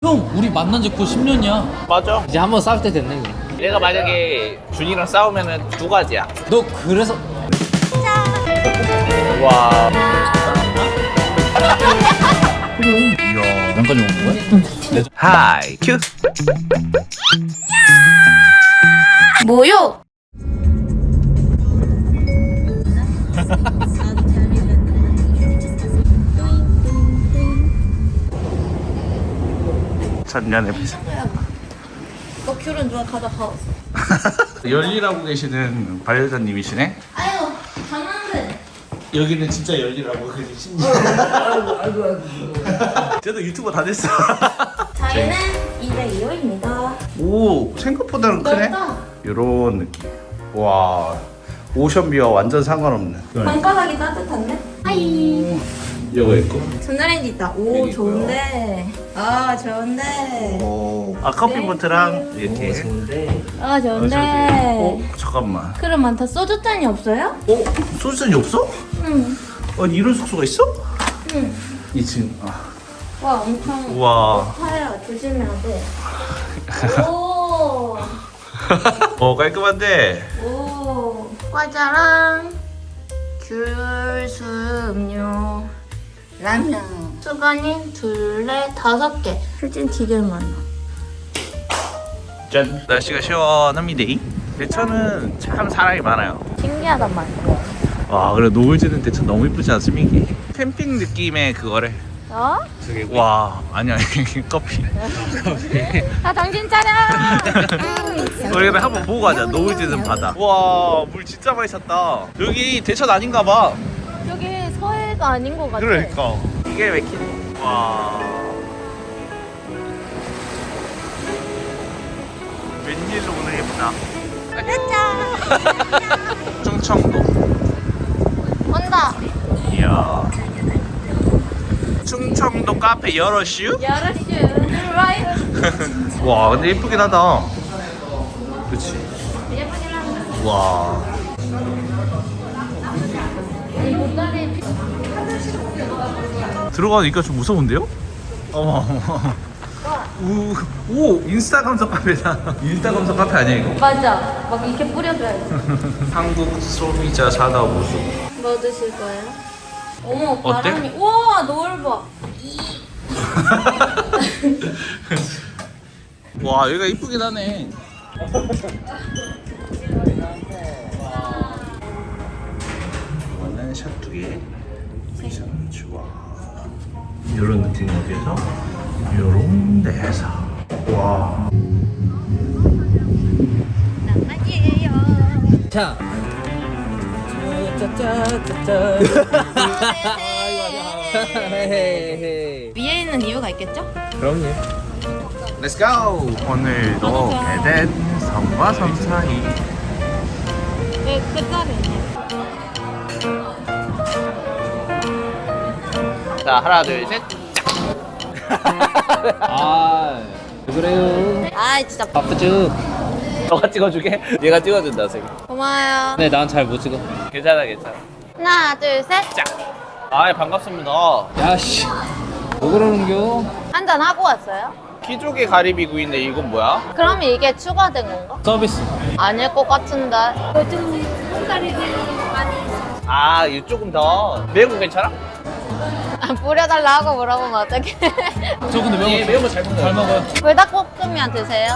형 우리 만난 지 곧 10년이야. 맞아. 이제 한번 싸울 때 됐네. 내가 만약에 준이랑 싸우면은 두 가지야. 너 그래서 와. 이야 양까지 먹는 거야? 하이 큐. 뭐요? 천년의 비상. 너 귤은 누가 가져가왔어? 열일하고 계시는 반려자님이시네. 아유, 장난들. 여기는 진짜 열일하고 계신 신님. 쟤도 유튜버 다 됐어. 저희는 202호입니다. 오, 생각보다는 크네. 넓다. 요런 느낌. 와, 오션뷰와 완전 상관없는. 방바닥이 따뜻한데? 하이. 이거 있고. 전자레인지 있다. 오, 좋은데. 아, 좋은데. 오, 아 커피포트랑 이렇게. 아, 좋은데. 어, 잠깐만. 그럼 많다. 소주잔이 없어요? 어, 소주잔이 없어? 응. 아니 이런 숙소가 있어? 응. 2층. 아, 와, 엄청. 우와. 파야. 조심해야 돼. 오. 깔끔한데. 오. 과자랑 귤, 수음료, 라면, 수건이 둘레 5개. 실진 되게 많아. 짠. 날씨가 시원합니다. 대천은 참 사람이 많아요. 신기하단 말이야. 와, 그래 노을지는 대천 너무 이쁘지 않습니까? 캠핑 느낌의 그거래. 어? 저기 와, 아니야 커피. 아, 정신 차려! 우리 그래 한번 보고 가자. 노을지는 바다. 와, 물 진짜 많이 찼다. 여기 대천 아닌가 봐. 여기 서해가 아닌 것 같아. 그러니까 이게 왜 킨? 와. 웬일로 오늘 예쁘다. 충청도. 온다. 이야. 충청도 카페 여러슈? 여러슈. right. 와, 근데 예쁘긴 하다. 그치? 예쁘긴 한데. 와. 이 보따리 들어가니까 좀 무서운데요? 어머. 오, 인스타 감성 카페다. 인스타 감성 카페 아니야 이거? 맞아. 막 이렇게 뿌려줘야지. 한국 소비자 산업우수. 뭐 드실 거예요? 어머, 어때? 바람이. 우와, 노을 봐. 와, 여기가 이쁘긴 하네. 이거는 샷두개. 여기서는 좋아. 이런 느낌 어디에서? 요런 데서. 와. 낭만이에요. 자. 헤헤헤. 위에 있는 이유가 있겠죠? 그럼요. Let's go. 오늘도 에덴 섬과 섬 사이. 왜 끝자리네. 자, 하나, 둘, 셋. 아, 왜 그래요? 아, 진짜 바쁘죠? 너가 찍어주게? 얘가 찍어준다, 쌤. 고마워요. 네, 난 잘 못 찍어. 괜찮아, 괜찮아. 하나, 둘, 셋. 자. 아, 반갑습니다. 야씨, 뭐 그러는겨? 한잔 하고 왔어요? 키조개 가리비 구이인데 이건 뭐야? 그럼 이게 추가된 건가? 서비스. 아닐 것 같은데. 요즘 손가락이 많이 아, 이거 조금 더. 매운 거 괜찮아? 뿌려달라 하고 물어보면 어떡해. 저 근데 예, 매운 거 잘 먹어요. 잘 먹어요. 불닭볶음면 드세요?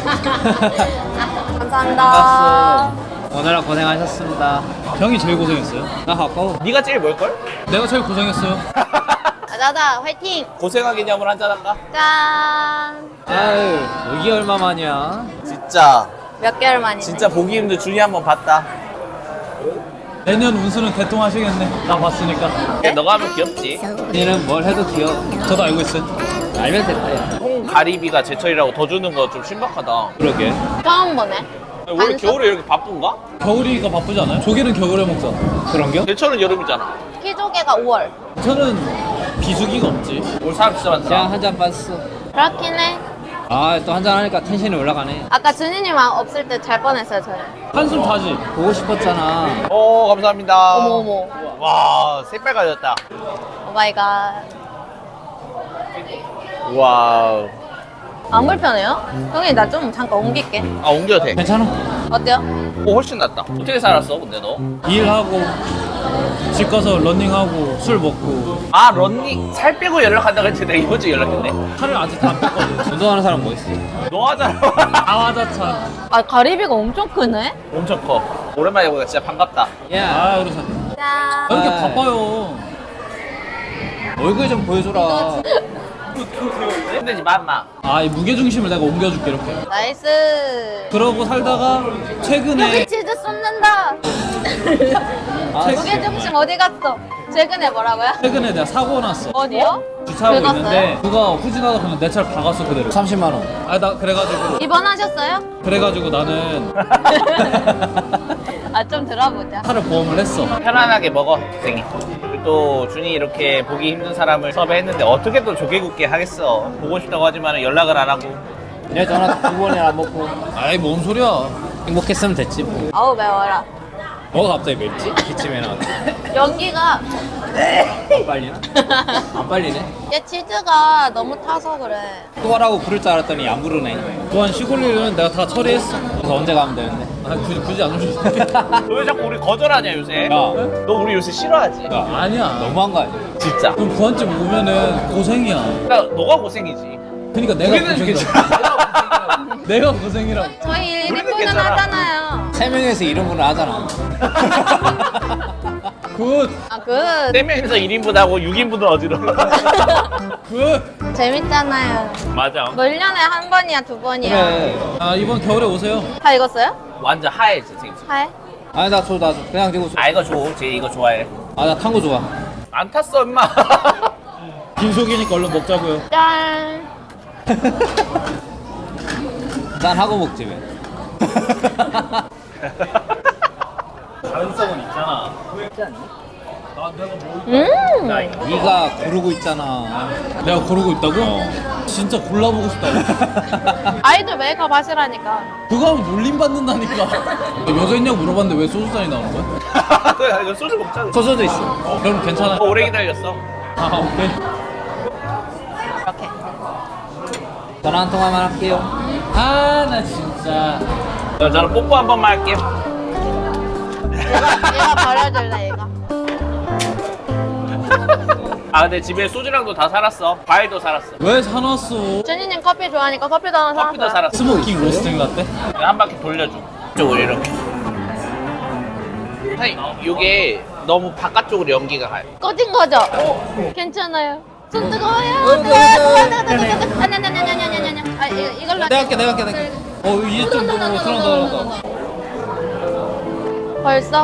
감사합니다. 알았어. 오늘은 고생하셨습니다. 형이 제일 고생했어요. 나 가까워. 네가 제일 뭘걸? 내가 제일 고생했어요. 자자, 화이팅! 고생한 기념으로 한잔 할까? 짠! 아유, 이게 얼마만이야? 진짜 몇 개월 만이네. 진짜 보기 힘든 준이 한번 봤다. 내년 운수는 대통하시겠네. 나 봤으니까. 근데 너가 하면 귀엽지. 니는 뭘 해도 귀여워. 저도 알고 있어요. 알면 됐다, 야. 콩 가리비가 제철이라고 더 주는 거 좀 신박하다. 그러게. 처음 보네. 원래 반숙? 겨울에 이렇게 바쁜가? 겨울이가 바쁘지 않아요? 조개는 겨울에 먹잖아. 그런겨? 제철은 여름이잖아. 키조개가 5월. 저는 비수기가 없지. 올 사람 진짜 많더라. 자, 한 잔 빠졌어. 그렇긴 해. 아, 또 한 잔 하니까 텐션이 올라가네. 아까 준이님 없을 때 잘 뻔했어요, 저는. 한숨 자지. 보고 싶었잖아. 오, 감사합니다. 어머. 와, 새빨가졌다. 오마이갓. 와우. 안 불편해요? 형님 나 좀 잠깐 옮길게. 아 옮겨도 돼. 괜찮아. 어때요? 오 훨씬 낫다. 어떻게 살았어 근데 너? 일하고 집 가서 러닝하고 술 먹고 아 런닝 살 빼고 연락한다고 했지 내가 이번 주에 연락했네. 살을 아직 다 안 뺐거든. 운동하는 사람 뭐 있어? 너 하잖아. 아와자찬. 아 가리비가 엄청 크네? 엄청 커. 오랜만에 보니까 진짜 반갑다. 야, 아 그래서 짠. 왜 이렇게 아. 바빠요? 얼굴 좀 보여줘라. 힘들지 마. 아 이 무게 중심을 내가 옮겨줄게 이렇게. 나이스. 그러고 살다가 최근에 치즈 쏟는다. 아, 무게 중심 어디 갔어? 최근에 뭐라고요? 최근에 내가 사고 났어. 어디요? 주차하고 긁었어요? 있는데 누가 후진하다 그냥 내 차를 박았어 그대로. 30만 원. 아 나 그래가지고 입원하셨어요? 나는 아 좀 들어보자. 차를 보험을 했어. 편안하게 먹어 생이. 또 준이 이렇게 보기 힘든 사람을 섭외했는데 어떻게 또 조개굽게 하겠어. 보고 싶다고 하지만 연락을 안 하고. 내 전화 2번이나 안 먹고 아이 뭔 소리야? 행복했으면 됐지 뭐. 아우 매워라. 뭐가 갑자기 맵지? 기침에 나왔네. 연기가 안 빨리나? 안 빨리네. 얘 치즈가 너무 타서 그래. 또 하라고 부를 줄 알았더니 안 부르네. 또한 시골 일은 내가 다 처리했어. 그래서 언제 가면 되는데? 아 굳이 안 오셔도 돼. 너 왜 자꾸 우리 거절하냐 요새? 야, 너 우리 요새 싫어하지? 야, 아니야. 너무한 거 아니야? 진짜. 그럼 부한집 오면은 고생이야. 그러니까 너가 고생이지. 그러니까 내가 우리는 고생이야. 괜찮아. 내가 고생이라고. 저희 우리는 1인분은 괜찮아. 하잖아요. 3명에서 1인분을 하잖아. 굿. 아 그 4명이서 1인분 하고 6인분은 어디로? 굿. 재밌잖아요. 맞아. 뭐 1년에 한 번이야 두 번이야. 그래. 아 이번 겨울에 오세요. 다 익었어요? 완전 하얘지 지금. 하해? 아니 나 줘. 그냥 들고 줘. 아 이거 줘. 쟤 이거 좋아해. 아 나 탄 거 좋아. 안 탔어 임마. 빈속이니까 얼른 먹자고요. 짠. 난 하고 먹지 왜? 가능성은 있잖아. 네가 고르고 있잖아. 내가 고르고 있다고? 진짜 골라보고 싶다고. 아이돌 메이크업 하시라니까. 그거 하면 놀림 받는다니까. 여자 있냐고 물어봤는데 왜 소주잔이 나오는 거야? 그래 이거 소주 먹자. 소주도 있어. 그럼 괜찮아. 오래 기다렸어. 아 오케이. 이렇게. 전화 한 통화만 할게요. 아 나 진짜. 저는 뽀뽀 한 번만 할게요. 얘가 버려줄래 얘가. 아 근데 집에 소주랑도 다 살았어. 과일도 살았어. 왜 사놨어? 준이님 커피 좋아하니까 커피도 하나 사왔어요. 커피도 살았어. 스모킹 로스팅 라떼? 한 바퀴 돌려줘. 이쪽으로 이렇게. 사실 이게 너무 바깥쪽으로 연기가 가요. 꺼진 거죠? 괜찮아요. 손 뜨거워요. 뜨거워. 아냐냐냐냐냐냐냐냐. 아 이걸로. 내가 할게. 이제 좀 들어온다. 벌써?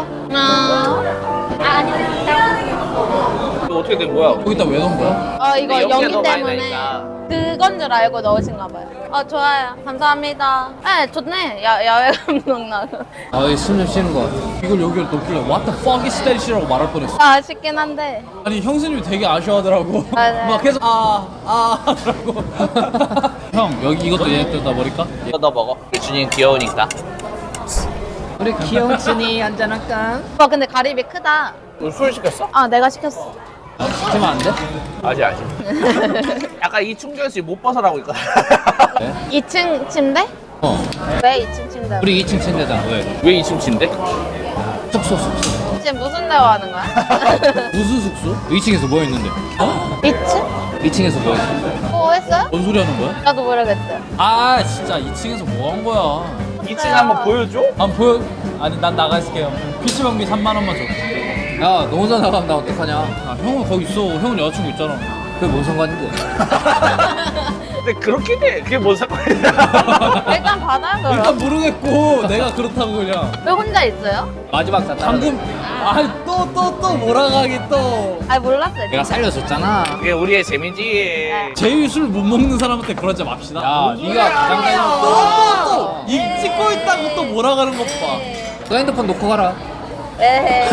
아니. 이거 어떻게 된 거야? 거기다 왜 넣은 거야? 이거 근데 연기가 연기 너무 많이 때문에 나니까. 그건 줄 알고 넣으신가 봐요. 좋아요. 감사합니다. 네, 좋네. 야외 감독 나고. 숨 좀 쉬는 거 같아. 이걸 여기를 넣길래 What the fuck is that shit이라고 말할 뻔했어. 아쉽긴 한데. 아니 형수님이 되게 아쉬워하더라고. 맞아요. 막 계속 하더라고. 형 여기 이것도 얘 뜯다 버릴까? 이거 너 먹어. 준이는 귀여우니까. 우리 귀여운 춘이 한잔할까? 근데 가리비 크다. 너 술 시켰어? 내가 시켰어. 시키면 안 돼? 아직. 약간 이 충전시 못 벗어나고 있거든. 2층 침대? 왜 2층 침대? 우리 2층 침대잖아. 왜? 왜 2층 침대? 숙소. 지금 무슨 대화하는 거야? 무슨 숙소? 2층에서 뭐 했는데? 2층? 2층에서 뭐 했어? 뭐 했어요? 뭔 소리 하는 거야? 나도 모르겠어요. 아 진짜 2층에서 뭐 한 거야? 2층 한번 보여줘? 안 보여? 아니 난 나가 있을게요. PC방비 3만 원만 줘. 야, 너 혼자 나가면 나 어떡하냐? 아 형은 거기 있어. 형은 여자친구 있잖아. 그게 뭔 상관인데? 근데 그렇긴 해. 그게 뭔 상관이야. 일단 받아요, 그럼. 일단 모르겠고 내가 그렇다고 그냥. 왜 혼자 있어요? 마지막 다 방금 또 몰아가기 또. 몰랐어요. 내가 살려줬잖아. 그게 우리의 재미지. 제일 술 못 먹는 사람한테 그러지 맙시다. 야, 네가 가장 또 찍고 있다고 또 몰아가는 것 봐. 너 핸드폰 놓고 가라. 에헤이.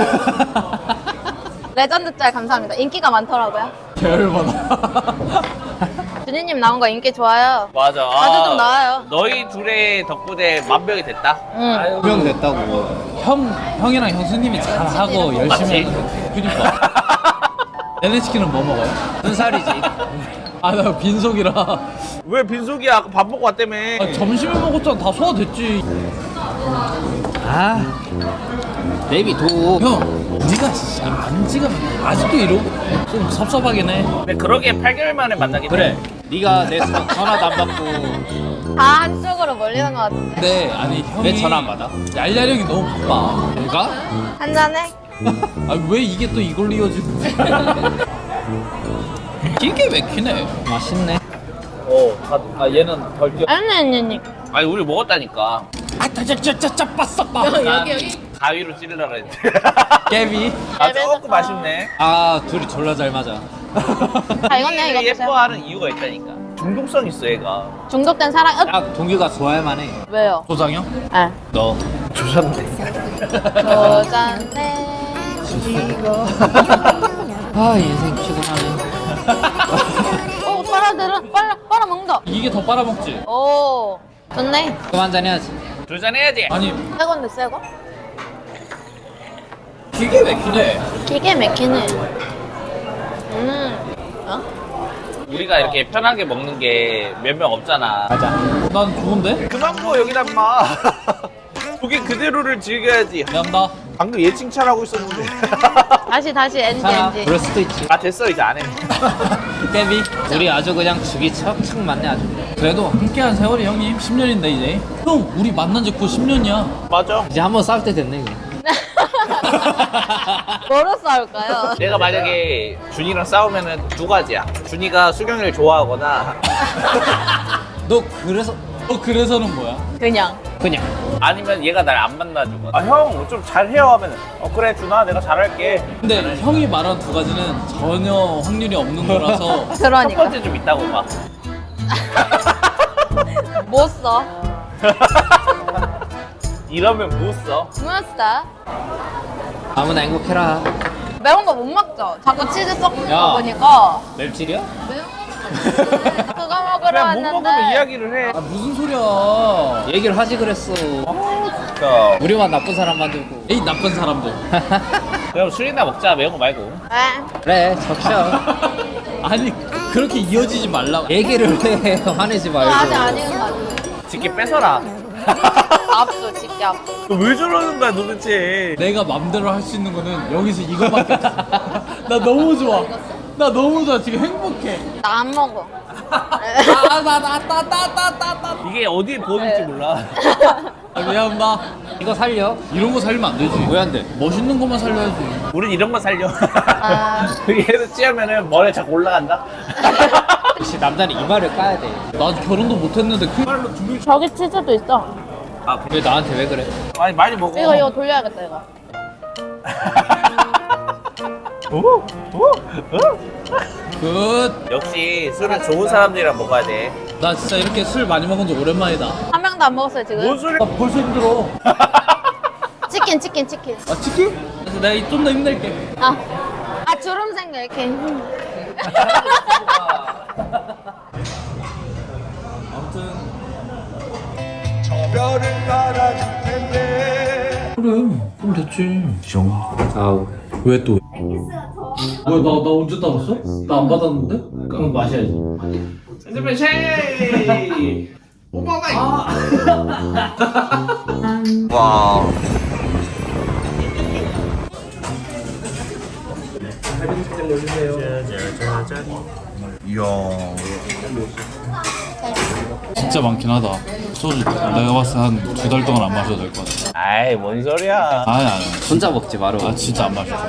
레전드 짤 감사합니다. 인기가 많더라고요. 계열받아. 준이님 나온 거 인기 좋아요. 맞아. 자주 좀 나와요. 너희 둘의 덕분에 만병이 됐다. 응. 명 됐다고. 형이랑 형수님이 잘하고 열심히 맞지? 하는 그니까. NHK는 뭐 먹어요? 눈살이지. 아 나 빈속이라. 왜 빈속이야? 아까 밥 먹고 왔다며. 아, 점심에 먹었잖아. 다 소화됐지. 아 베이비 도. 형, 네가 진짜 만지가 아직도 이러고 좀 섭섭하긴 해. 근데 그러게 8개월 만에 만나긴 그래 해. 네가 내 전화도 안 받고 다 한쪽으로 몰리는 것 같은데. 근데 아니 형이 왜 전화 안 받아? 얄얄형이 너무 바빠. 내가? 한잔해? 아 왜 이게 또 이걸로 이어지고? 이게 맥히네. 맛있네. 아 얘는 덜 뛰어. 아니. 아니 우리 먹었다니까. 아짜짜짜짜 빠싸 빠. 여기. 가위로 찌르려고 했는데. 깨비. 아 조금 맛있네. 아 둘이 졸라 잘 맞아. 아 이건 이거 드세요. 예뻐하는 이유가 있다니까. 중독성 있어 얘가. 중독된 사랑. 딱 동규가 좋아할 만해. 왜요? 소장형? 아. 너. 조졌네. 도전해. 아 인생 피곤하네. 오 빨아 먹는다. 이게 더 빨아먹지. 오 좋네. 그만 잔 해야지. 조잔해야지. 아니 새건데 새거? 이게 맥히네. 기계 막히네. 어? 우리가 이렇게 편하게 먹는 게 몇 명 없잖아. 가자. 난 좋은데? 그만 부어 여기다 마. 고기 그대로를 즐겨야지. 미안다. 방금 얘 칭찬하고 있었는데. 다시 괜찮아. 엔지. 그럴 수도 있지. 아 됐어 이제 안 해. 깨비. 우리 아주 그냥 죽이 척척 맞네 아주. 그래도 함께한 세월이 형님 10년인데 이제. 형 우리 만난 지 곧 10년이야. 맞아. 이제 한번 싸울 때 됐네 이거. 뭐로 싸울까요? 내가 만약에 준이랑 싸우면은 두 가지야. 준이가 수경이를 좋아하거나 너 그래서 그래서는 뭐야? 그냥. 아니면 얘가 날 안 만나주거나. 아 형 좀 잘해요 하면은 그래 준아 내가 잘할게. 근데 형이 말한 두 가지는 전혀 확률이 없는 거라서 첫 그러니까. 번째 좀 있다고 봐. 못 써. 이러면 못 써. 못 써. 아무나 행복해라. 매운 거 못 먹죠? 자꾸 치즈 섞는 야. 거 보니까 맵찔이야? 매운 거 그거 먹으러 그냥 못 왔는데 먹으면 이야기를 해. 아 무슨 소리야. 얘기를 하지 그랬어. 진짜. 우리만 나쁜 사람 만들고. 에이 나쁜 사람들. 그럼 술이나 먹자 매운 거 말고. 에? 그래 적셔. 아니 그렇게 이어지지 말라고. 얘기를 해. 화내지 그거 아직 말고. 아닌 거 같아. 직계 뺏어라. 압수 직계 압수. 왜 저러는 거야 도대체. 내가 맘대로 할 수 있는 거는 여기서 이거밖에 없어. 나 너무 좋아. 나 너무 좋아. 지금 행복해. 나 안 먹어. 아나나나나나나. 이게 어디에 보는지 몰라. 아, 미안합니다. 이거 살려? 이런 거 살리면 안 되지. 왜 안 돼? 멋있는 것만 살려야지. 우린 이런 거 살려. 아. 얘도 찌우면은 머리 자꾸 올라간다. 역시 남자는 이마를 까야 돼. 나 결혼도 못했는데 그 말로 준비. 저기 치즈도 있어. 왜 나한테 왜 그래? 아니 많이 먹어. 이거 돌려야겠다 이거. 오? 굿. 역시 술은 좋은 사람들이랑 먹어야 돼. 나 진짜 이렇게 술 많이 먹은 지 오랜만이다. 한 명도 안 먹었어요 지금. 뭔 소리? 나 벌써 힘들어. 치킨. 아 치킨? 그래서 내가 좀 더 힘낼게. 아 주름 생겨 이렇게. 아무튼 그래 그럼 됐지. 아우. 왜 또? 왜 나 언제 따랐어? 나 안 받았는데? 그럼 마셔야지. 핸드폰 쉐이. 와. 이야. 진짜 많긴 하다. 소주 내가 봤을 때 한 2달 동안 안 마셔도 될 것 같아. 아이 뭔 소리야. 아니. 혼자 먹지 마라. 아 진짜 안 마셔.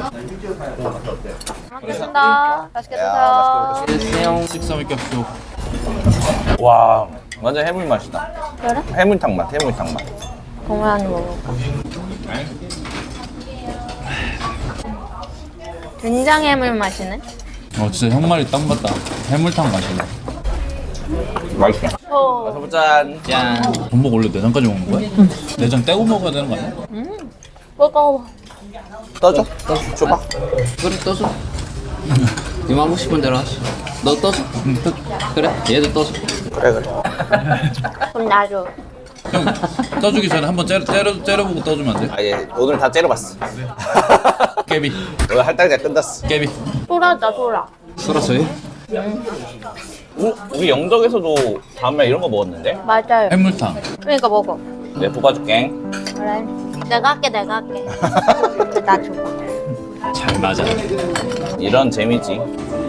먹겠습니다. 맛있게 드세요. 안녕. 식사 믿겠소. 와 완전 해물 맛이다. 그래? 해물탕 맛. 동호연이 먹을까? 된장 해물 맛이네. 진짜 형 말이 딱 맞다. 해물탕 마실래. 맛있어. 오. 어서 짠. 짠. 전복 원래 내장까지 먹는 거야? 내장 떼고 먹어야 되는 거 아니야? 먹어. 떠줘. 줘봐. 그래 떠줘. 네 하고 싶은 대로 하시. 너 떠줘. 그래. 얘도 떠줘. 그래. 그럼 나도. 형 떠주기 전에 한번 째려보고 떠주면 안 돼? 아예 오늘 다 째려봤어. 깨비 오늘 할당제 끝났어. 깨비. 소라다 소라. 소라 저희? 우리 영덕에서도 다음날 이런 거 먹었는데? 맞아요. 해물탕. 그러니까 먹어. 내가 볶아줄게. 그래. 내가 할게. 나 줘봐. 잘 맞아. 이런 재미지.